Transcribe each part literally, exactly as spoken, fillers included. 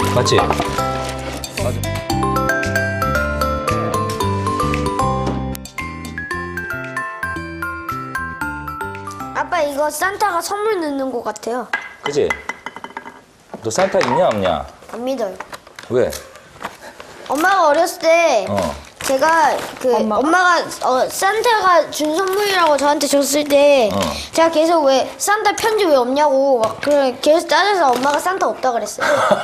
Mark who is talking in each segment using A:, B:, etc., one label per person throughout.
A: 맞지? 맞아.
B: 아빠 이거 산타가 선물 넣는 것 같아요.
A: 그지? 너 산타 있냐 없냐?
B: 안 믿어요.
A: 왜?
B: 엄마가 어렸을 때
A: 어.
B: 제가 그
C: 엄마가?
B: 엄마가, 어, 산타가 준 선물이라고 저한테 줬을 때
A: 어.
B: 제가 계속 왜 산타 편지 왜 없냐고 막 그래 계속 따져서 엄마가 산타 없다 그랬어요.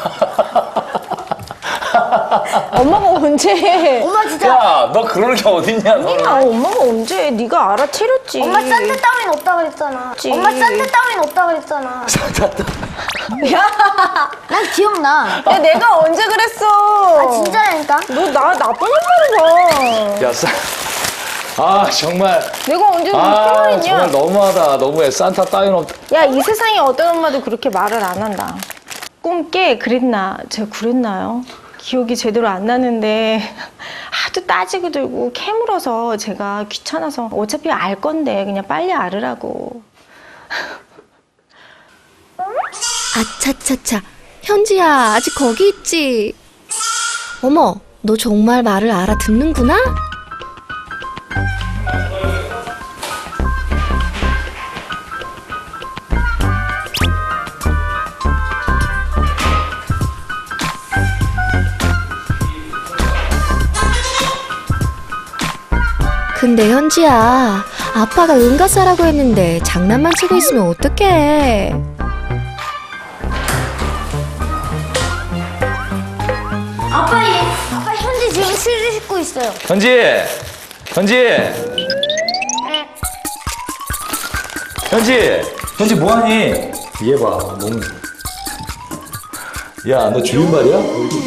C: 엄마가 언제?
B: 엄마 진짜
A: 야, 너 그럴 게 어딨냐, 너는.
C: 아, 엄마가 언제? 네가 알아채렸지.
B: 엄마 산타 따윈 없다 그랬잖아.
C: 그치.
B: 엄마 산타 따윈 없다 그랬잖아.
C: 야,
B: 난 기억나.
C: 야, 내가 언제 그랬어?
B: 아 진짜라니까.
C: 너 나 나쁜 엄마를 봐.
A: 야, 산... 아, 정말.
C: 내가 언제 그렇게
A: 아,
C: 말했냐?
A: 정말 너무하다. 너무해. 산타 따윈 없다.
C: 야, 이 세상에 어떤 엄마도 그렇게 말을 안 한다. 꿈깨 그랬나? 제가 그랬나요? 기억이 제대로 안 나는데 하도 따지고 들고 캐물어서 제가 귀찮아서 어차피 알 건데 그냥 빨리 알으라고.
D: 아차차차, 현지야, 아직 거기 있지? 어머, 너 정말 말을 알아듣는구나? 근데 현지야, 아빠가 응가싸라고 했는데 장난만 치고 있으면 어떡해?
B: 아빠 얘 아빠 현지 지금 휴지 씻고 있어요.
A: 현지! 현지! 현지! 현지 뭐하니? 얘 봐, 너무. 야, 너 주인말이야?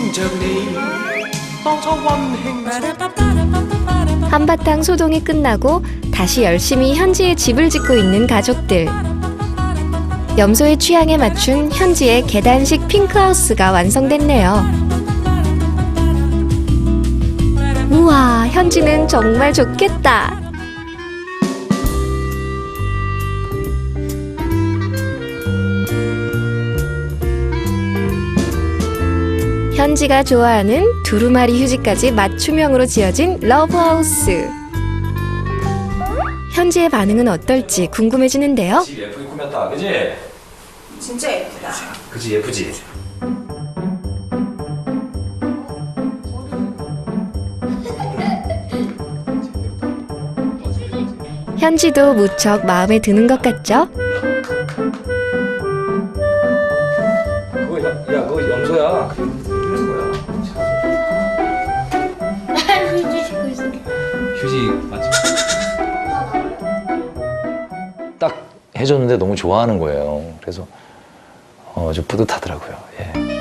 D: 한바탕 소동이 끝나고 다시 열심히 현지의 집을 짓고 있는 가족들. 염소의 취향에 맞춘 현지의 계단식 핑크하우스가 완성됐네요. 우와, 현지는 정말 좋겠다. 현지가 좋아하는 두루마리 휴지까지 맞춤형으로 지어진 러브하우스. 현지의 반응은 어떨지 궁금해지는데요.
A: 집 예쁘게 꾸몄다, 그지?
C: 진짜 예쁘다.
A: 그지, 예쁘지?
D: 현지도 무척 마음에 드는 것 같죠?
A: 그거, 야, 야, 그거 염소야. 이런 거야.
B: 휴지 씻고 있어.
A: 휴지, 맞지? 딱 해줬는데 너무 좋아하는 거예요. 그래서, 어, 좀 뿌듯하더라고요. 예.